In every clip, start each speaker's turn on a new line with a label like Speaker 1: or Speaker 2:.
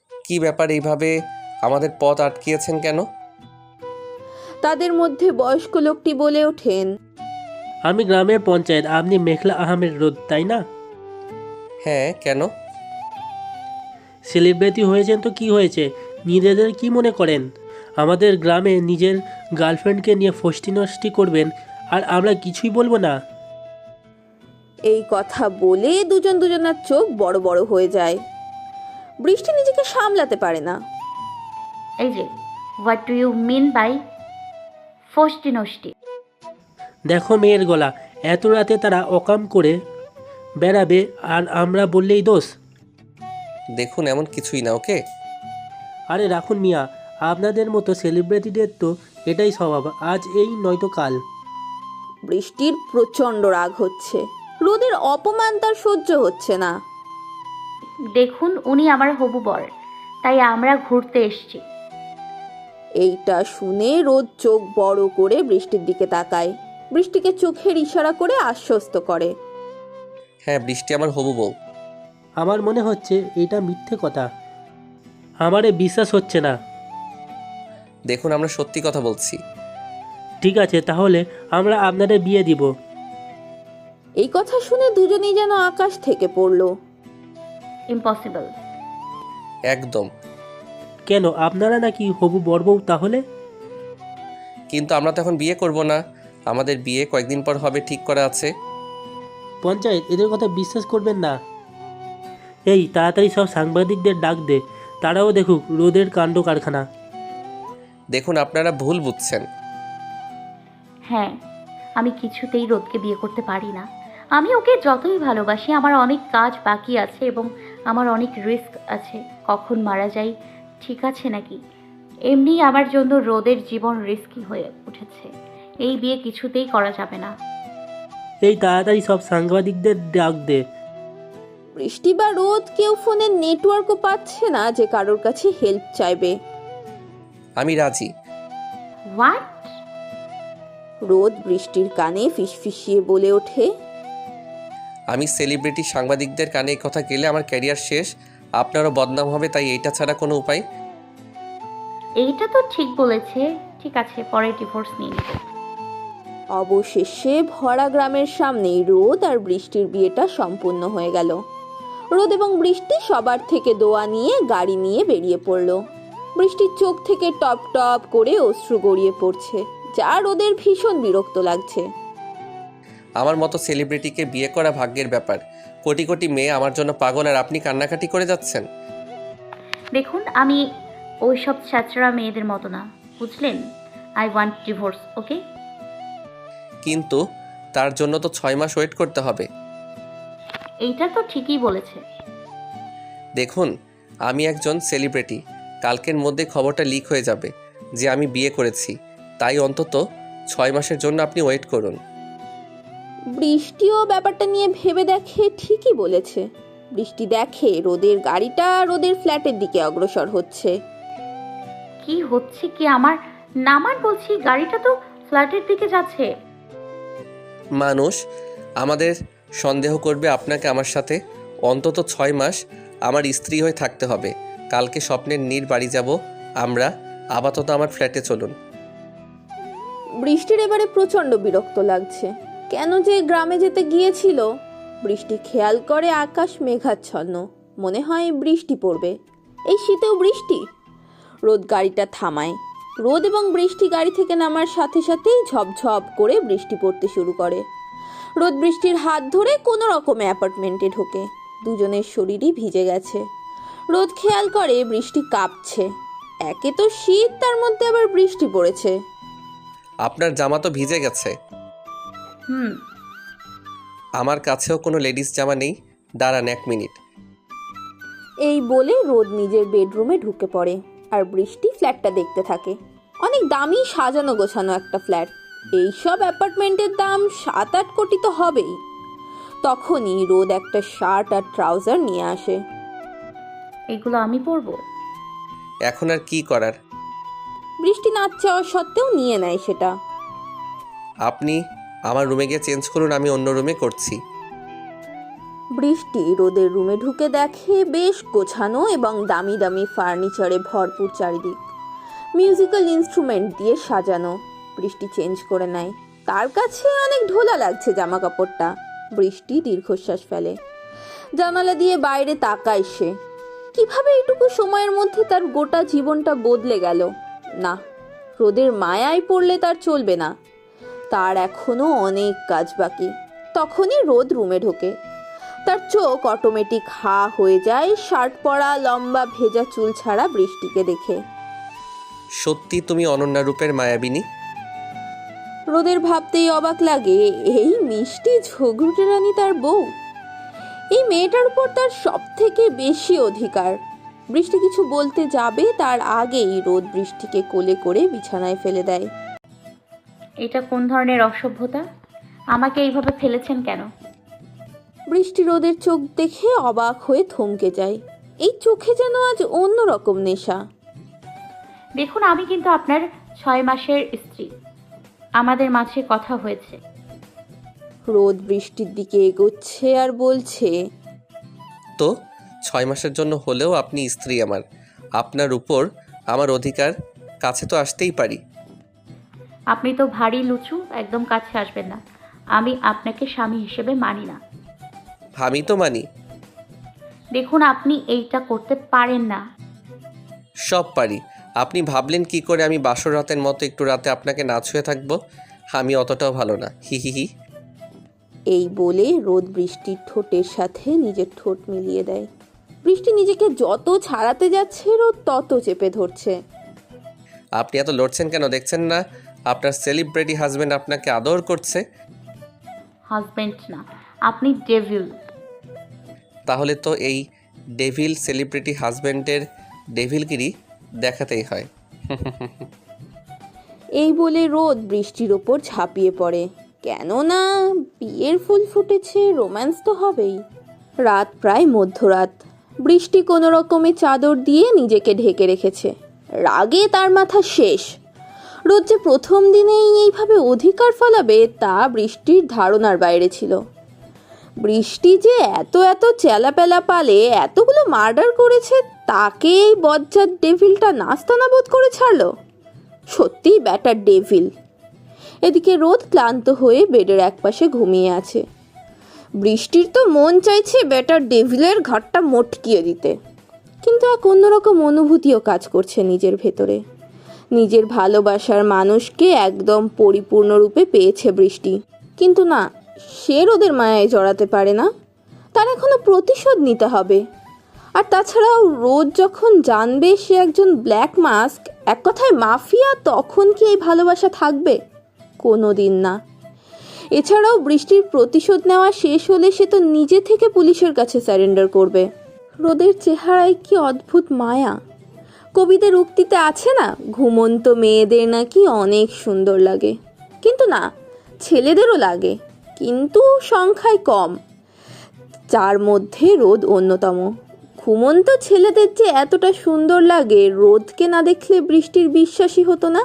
Speaker 1: কি ব্যাপার, এইভাবে আমাদের পথ আটকিয়েছেন কেন?
Speaker 2: তাদের মধ্যে বয়স্ক লোকটি বলে ওঠেন,
Speaker 3: আমি গ্রামের পঞ্চায়েত, আপনি মেঘলা আহমেদ রোদ, তাই না?
Speaker 1: হ্যাঁ, কেন?
Speaker 3: সেলিব্রিটি হয়েছেন তো কি হয়েছে, নিজেদের কি মনে করেন? আমাদের গ্রামে নিজের গার্লফ্রেন্ডকে নিয়ে ফষ্টি নষ্টি করবেন আর আমরা কিছুই বলবো না?
Speaker 2: এই কথা বলে দুজনের চোখ বড় বড় হয়ে যায়। বৃষ্টি নিজেকে সামলাতে পারে না।
Speaker 4: এই যে, what do you mean by ফষ্টি নষ্টি?
Speaker 3: দেখো মেয়ের গলা, এত রাতে তারা অকাম করে বেড়াবে আর আমরা বললেই দোষ?
Speaker 1: দেখুন, এমন কিছুই না, ওকে?
Speaker 3: আরে রাখুন মিয়া, আপনাদের মতো সেলিব্রিটিদের তো এটাই স্বভাব, আজ এই নয়তো কাল।
Speaker 2: বৃষ্টির প্রচণ্ড রাগ হচ্ছে। রোদের অপমান তার সহ্য হচ্ছে না।
Speaker 4: দেখুন, উনি আমার হবু বর, তাই আমরা ঘুরতে এসেছি।
Speaker 2: এইটা শুনে রোদ চোখ বড় করে বৃষ্টির দিকে তাকায়। বৃষ্টিকে চোখের ইশারা করে আশ্বস্ত করে।
Speaker 1: হ্যাঁ, বৃষ্টি আমার হবু বউ।
Speaker 3: আমার মনে হচ্ছে এটা মিথ্যে কথা, আমারে বিশ্বাস হচ্ছে না।
Speaker 1: দেখুন, আমরা সত্যি কথা বলছি।
Speaker 3: ঠিক আছে, তাহলে আমরা আপনাদের বিয়ে দিব।
Speaker 2: এই কথা শুনে দুজনেই যেন আকাশ থেকে পড়ল।
Speaker 4: ইম্পসিবল।
Speaker 1: একদম।
Speaker 3: কেন, আপনারা নাকি হবু বর বউ তাহলে?
Speaker 1: কিন্তু আমরা তো এখন বিয়ে করব না, আমাদের বিয়ে কয়েকদিন পর হবে ঠিক করা আছে।
Speaker 3: পঞ্চায়েত, এদের কথা বিশ্বাস করবেন না। এই তাড়াতাড়ি সব সাংবাদিকদের ডাক দে, তারাও দেখুক রোদের কাণ্ড কারখানা।
Speaker 1: দেখুন, আপনারা ভুল বুঝছেন।
Speaker 4: হ্যাঁ, আমি কিছুতেই রোদকে বিয়ে করতে পারি না। আমি ওকে যতই ভালোবাসি, আমার অনেক কাজ বাকি আছে এবং আমার অনেক রিস্ক আছে। কখন মারা যাই ঠিক আছে নাকি? এমনি আমার জন্য রোদের জীবন রিস্কি হয়ে উঠেছে। এই বিয়ে কিছুতেই করা যাবে না।
Speaker 3: এই তাড়াতাড়ি সব সাংবাদিকদের ডাক দে।
Speaker 2: বৃষ্টি বা রোদ কেউ ফোনের নেটওয়ার্কও পাচ্ছে না যে কারোর কাছে হেল্প চাইবে।
Speaker 1: আমি রাজি।
Speaker 4: হোয়াট?
Speaker 2: রোদ বৃষ্টির কানে ফিসফিসিয়ে বলে ওঠে,
Speaker 1: আমি সেলিব্রিটি সাংবাদিকদের কানে এই কথা গেলে আমার ক্যারিয়ার শেষ, আপনারও বদনাম হবে, তাই এইটা ছাড়া কোনো উপায়।
Speaker 4: এইটা তো ঠিক বলেছে। ঠিক আছে, পরে ডিভোর্স নিয়ে নেব।
Speaker 2: অবশেষে ভরা গ্রামের সামনেই রোদ আর বৃষ্টির বিয়েটা সম্পূর্ণ হয়ে গেল। রোদ এবং বৃষ্টি সবার থেকে দোয়া নিয়ে গাড়ি নিয়ে বেরিয়ে পড়ল। বৃষ্টির চোখ থেকে টপ টপ করে অশ্রু গড়িয়ে পড়ছে, যা রোদের ভীষণ বিরক্ত লাগছে।
Speaker 1: আমার মতো সেলিব্রিটিকে বিয়ে করা ভাগ্যের ব্যাপার। কোটি কোটি মেয়ে আমার জন্য পাগল, আর আপনি কান্নাকাটি করে যাচ্ছেন।
Speaker 4: দেখুন, আমি ওইসব ছাত্রা মেয়েদের মতো না, বুঝলেন? I want divorce, okay?
Speaker 1: কিন্তু তার জন্য তো 6 মাস ওয়েট করতে হবে।
Speaker 4: এইটা তো ঠিকই বলেছে।
Speaker 1: দেখুন, আমি একজন সেলিব্রিটি, কালকের মধ্যে খবরটা লিক হয়ে যাবে যে আমি বিয়ে করেছি, তাই অন্তত 6 মাসের জন্য আপনি ওয়েট করুন।
Speaker 2: বৃষ্টিও ব্যাপারটা নিয়ে ভেবে দেখে ঠিকই বলেছে। বৃষ্টি দেখে রোদের গাড়িটা রোদের ফ্ল্যাটের দিকে অগ্রসর হচ্ছে।
Speaker 4: কি হচ্ছে কি আমার? নামান বলছি, গাড়িটা তো ফ্ল্যাটের দিকে যাচ্ছে।
Speaker 1: মানুষ আমাদের সন্দেহ করবে আপনাকে আমার সাথে। অন্তত 6 মাস আমার স্ত্রী হয়ে থাকতে হবে। কালকে স্বপ্নের নীর বাড়ি যাব আমরা। আপাতত আমার ফ্ল্যাটে চলুন।
Speaker 2: বৃষ্টির এবারে প্রচণ্ড বিরক্ত লাগছে। কেন যে গ্রামে যেতে গিয়েছিল। বৃষ্টি খেয়াল করে আকাশ মেঘাচ্ছন্ন, মনে হয় বৃষ্টি পড়বে। এই শীতেও বৃষ্টি। রোদ গাড়িটা থামায়। রোদ এবং বৃষ্টি গাড়ি থেকে নামার সাথে সাথেই ঝপঝপ করে বৃষ্টি পড়তে শুরু করে। রোদ বৃষ্টির হাত ধরে কোনো রকমে অ্যাপার্টমেন্টে ঢোকে। দুজনের শরীরই ভিজে গেছে। রোদ খেয়াল করে বৃষ্টি কাঁপছে। একে তো শীত, তার মধ্যে আবার বৃষ্টি পড়েছে।
Speaker 1: আপনার জামা তো ভিজে গেছে।
Speaker 4: হুম।
Speaker 1: আমার কাছেও কোনো লেডিস জামা নেই, দাঁড়ান 1 মিনিট।
Speaker 2: এই বলে রোদ নিজের বেডরুমে ঢুকে পড়ে আর বৃষ্টি ফ্ল্যাটটা দেখতে থাকে। অনেক দামি সাজানো গোছানো একটা ফ্ল্যাট। এইসব অ্যাপার্টমেন্টের দাম 7-8 কোটি তো হবেই। তখনই রোদ একটা শার্ট আর ট্রাউজার নিয়ে আসে।
Speaker 4: এগুলো আমি পরবো?
Speaker 1: এখন আর কি করার?
Speaker 2: বৃষ্টি না চাওয়া সত্ত্বেও নিয়ে নেয় সেটা।
Speaker 1: আপনি আমার রুমে গিয়ে চেঞ্জ করুন, আমি অন্য রুমে করছি।
Speaker 2: বৃষ্টি রোদের রুমে ঢুকে দেখে বেশ গোছানো এবং দামি দামি ফার্নিচারে ভরপুর চারিদিক, মিউজিক্যাল ইনস্ট্রুমেন্ট দিয়ে সাজানো। বৃষ্টি চেঞ্জ করে নেয়, তার কাছে অনেক ঢোলা লাগছে জামা কাপড়টা। বৃষ্টি দীর্ঘশ্বাস ফেলে, জানালা দিয়ে বাইরে তাকায় সে। কিভাবে এইটুকু সময়ের মধ্যে তার গোটা জীবনটা বদলে গেল। না, রোদের মায়ায় পড়লে তার চলবে না, তার এখনো অনেক কাজ বাকি। তখনই রোদ রুমে ঢোকে, তার চোখ অটোমেটিক হা হয়ে যায় শার্ট পরা, লম্বা ভেজা চুল ছাড়া বৃষ্টিকে দেখে।
Speaker 1: সত্যি তুমি অনন্যা রূপের মায়াবিনী।
Speaker 2: রোদের ভাবতেই অবাক লাগে, এই মিষ্টি ঝগড়ুটে রানী তার বউ। এই মেয়েটার উপর তার সব থেকে বেশি অধিকার। বৃষ্টি কিছু বলতে যাবে তার আগেই রোদ বৃষ্টিকে কোলে করে বিছানায় ফেলে দেয়।
Speaker 4: এটা কোন ধরনের অসভ্যতা? আমাকে এইভাবে ফেলেছেন কেন?
Speaker 2: বৃষ্টি রোদের চোখ দেখে অবাক হয়ে থমকে যায়। এই চোখে যেন আজ অন্যরকম নেশা।
Speaker 4: দেখুন, আমি কিন্তু আপনার 6 মাসের স্ত্রী। আমাদের মাঝে কথা হয়েছে।
Speaker 2: রোদ বৃষ্টির দিকে এগোচ্ছে আর বলছে,
Speaker 1: তো 6 মাসের জন্য হলেও আপনি স্ত্রী আমার। আপনার উপর আমার অধিকার, কাছে তো আসতেই পারি।
Speaker 4: আপনি তো ভারী লুচু, একদম কাছে আসবেন না। আমি আপনাকে স্বামী হিসেবে মানি না।
Speaker 1: আমি তো মানি।
Speaker 4: দেখুন, আপনি এইটা করতে পারেন না।
Speaker 1: সব পারি। আপনি ভাবলেন কি করে আমি বাসর রাতের মতো একটু রাতে আপনাকে না ছুঁয়ে থাকবো? আমি অতটাও ভালো না, হি হি হি।
Speaker 2: এই বলে রোদ বৃষ্টির ঠোঁটের সাথে নিজের ঠোঁট মিলিয়ে দেয়। বৃষ্টি নিজেকে যত ছাড়াতে যাচ্ছে রোদ তত চেপে ধরছে।
Speaker 1: আপনি এত লড়ছেন কেন? দেখছেন না আপনার সেলিব্রিটি হাজবেন্ড আপনাকে আদর করছে?
Speaker 4: হাজবেন্ড না, আপনি ডেভিল।
Speaker 1: তাহলে তো এই ডেভিল সেলিব্রিটি হাজবেন্ডের ডেভিলগিরি দেখাতেই হয়।
Speaker 2: এই বলে রোদ বৃষ্টির ওপর ঝাঁপিয়ে পড়ে। কেননা বিয়ের ফুল ফুটেছে, রোম্যান্স তো হবেই। রাত প্রায় মধ্যরাত। বৃষ্টি কোনো রকমে চাদর দিয়ে নিজেকে ঢেকে রেখেছে। রাগে তার মাথা শেষ। রোদ যে প্রথম দিনেই এইভাবে অধিকার ফলাবে তা বৃষ্টির ধারণার বাইরে ছিল। বৃষ্টি যে এত এত চেলাপেলা পালে এতগুলো মার্ডার করেছে, তাকে এই বজ্জাত ডেভিলটা নাস্তানা বোধ করে ছাড়লো। সত্যি ব্যাটার ডেভিল। এদিকে রোদ ক্লান্ত হয়ে বেডের একপাশে ঘুমিয়ে আছে। বৃষ্টির তো মন চাইছে ব্যাটার ডেভিলের ঘাটটা মটকিয়ে দিতে, কিন্তু এক অন্যরকম অনুভূতিও কাজ করছে নিজের ভেতরে। নিজের ভালোবাসার মানুষকে একদম পরিপূর্ণরূপে পেয়েছে বৃষ্টি, কিন্তু না, সে রোদের মায়ায় জড়াতে পারে না। তার এখনো প্রতিশোধ নিতে হবে। আর তাছাড়াও রোদ যখন জানবে সে একজন ব্ল্যাক মাস্ক, এক কথায় মাফিয়া, তখন কি এই ভালোবাসা থাকবে? কোনো দিন না। এছাড়াও বৃষ্টির প্রতিশোধ নেওয়া শেষ হলে সে তো নিজে থেকে পুলিশের কাছে স্যারেন্ডার করবে। রোদের চেহারায় কি অদ্ভুত মায়া। কবিদের উক্তিতে আছে না, ঘুমন্ত মেয়েদের নাকি অনেক সুন্দর লাগে। কিন্তু না, ছেলেদেরও লাগে, কিন্তু সংখ্যায় কম, যার মধ্যে রোদ অন্যতম। ঘুমন্ত ছেলেদের যে এতটা সুন্দর লাগে, রোদকে না দেখলে বৃষ্টির বিশ্বাসই হতো না।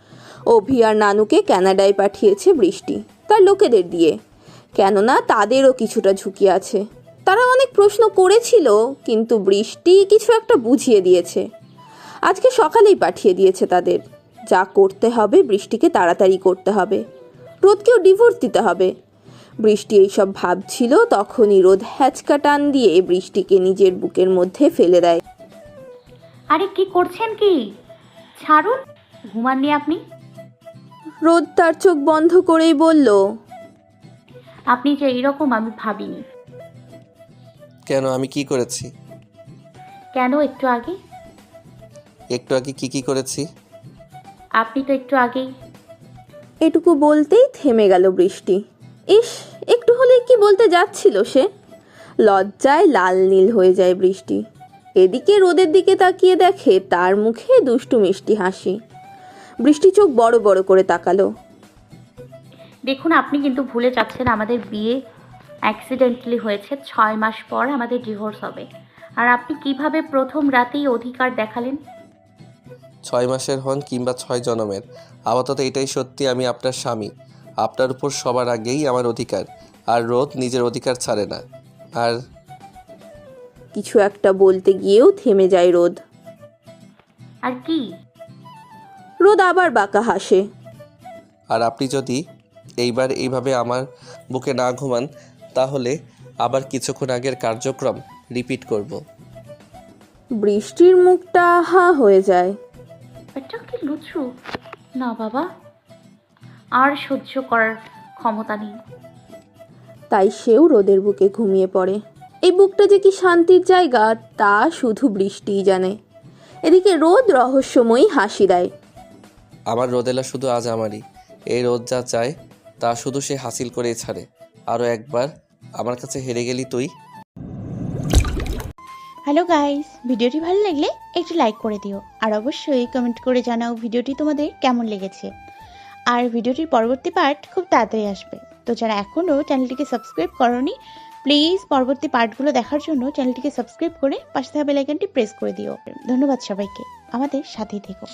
Speaker 2: অভি আর নানুকে কানাডায় পাঠিয়েছে বৃষ্টি তার লোকেদের দিয়ে, কেননা তাদেরও কিছুটা ঝুঁকি আছে। তারা অনেক প্রশ্ন করেছিল, কিন্তু বৃষ্টি কিছু একটা বুঝিয়ে দিয়েছে। আজকে সকালেই পাঠিয়ে দিয়েছে তাদের। যা করতে হবে বৃষ্টিকে তাড়াতাড়ি করতে হবে, রোদকেও ডিভোর্স দিতে হবে। বৃষ্টি এইসব ভাবছিল, তখনই রোদ হ্যাচকা টান দিয়ে বৃষ্টিকে নিজের বুকের মধ্যে ফেলে দেয়।
Speaker 4: আরে কি করছেন কি? ছাড়ুন। ঘুমাননি আপনি?
Speaker 2: রোদ তার চোখ বন্ধ করেই বলল,
Speaker 4: আপনি যে এইরকম আমি ভাবিনি।
Speaker 1: কেন, আমি কি করেছি?
Speaker 4: কেন? একটু আগে
Speaker 1: একটু আগে কি করেছি?
Speaker 4: আপনি তো একটু আগেই।
Speaker 2: এটুকু বলতেই থেমে গেল বৃষ্টি। ইস, একটু হলে কি বলতে যাচ্ছিল সে। লজ্জায় লাল নীল হয়ে যায় বৃষ্টি। এদিকে রোদের দিকে তাকিয়ে দেখে তার মুখে দুষ্টু মিষ্টি হাসি। বৃষ্টি চোখ বড় বড় করে তাকালো।
Speaker 4: দেখুন, আপনি কিন্তু ভুলে যাচ্ছেন আমাদের বিয়ে অ্যাক্সিডেন্টালি হয়েছে। 6 মাস পর আমাদের ডিভোর্স হবে। আর আপনি কিভাবে প্রথম রাতেই অধিকার দেখালেন?
Speaker 1: 6 মাসের হন কিংবা 6 জনমের, আপাতত এটাই সত্যি, আমি আপনার স্বামী। আপনার উপর সবার আগেই আমার অধিকার। আর রোদ নিজের অধিকার ছাড়ে না। আর
Speaker 2: কিছু একটা বলতে গিয়েও থেমে যায় রোদ।
Speaker 4: আর কি?
Speaker 2: রোদ আবার বাঁকা হাসে।
Speaker 1: আর আপনি যদি এইবার এইভাবে আমার বুকে না ঘুমান তাহলে আবার কিছুক্ষণ আগের কার্যক্রম রিপিট করব।
Speaker 2: বৃষ্টির মুখটা হা হয়ে যায়।
Speaker 4: এটা কি লুচু? না বাবা, আর সহ্য করার ক্ষমতা নেই।
Speaker 2: তাই সেও রোদের বুকে ঘুমিয়ে পড়ে। এই বুকটা যে কি শান্তির জায়গা তা শুধু বৃষ্টিই জানে। এদিকে রোদ রহস্যময়ী হাসি দেয়।
Speaker 1: আমার রোদেলা শুধু আজ আমারই। এই রোদ যা চায় তা শুধু সে হাসিল করেই ছাড়ে। আরও একবার আমার কাছে হেরে গেলি তুই।
Speaker 5: হ্যালো গাইস, ভিডিওটি ভালো লাগলে একটু লাইক করে দিও আর অবশ্যই কমেন্ট করে জানাও ভিডিওটি তোমাদের কেমন লেগেছে। আর ভিডিওটির পরবর্তী পার্ট খুব তাড়াতাড়ি আসবে, তো যারা এখনও চ্যানেলটিকে সাবস্ক্রাইব করোনি প্লিজ পরবর্তী পার্টগুলো দেখার জন্য চ্যানেলটিকে সাবস্ক্রাইব করে পাশে থাকা বেল আইকনটি প্রেস করে দিও। ধন্যবাদ সবাইকে, আমাদের সাথেই থেকো।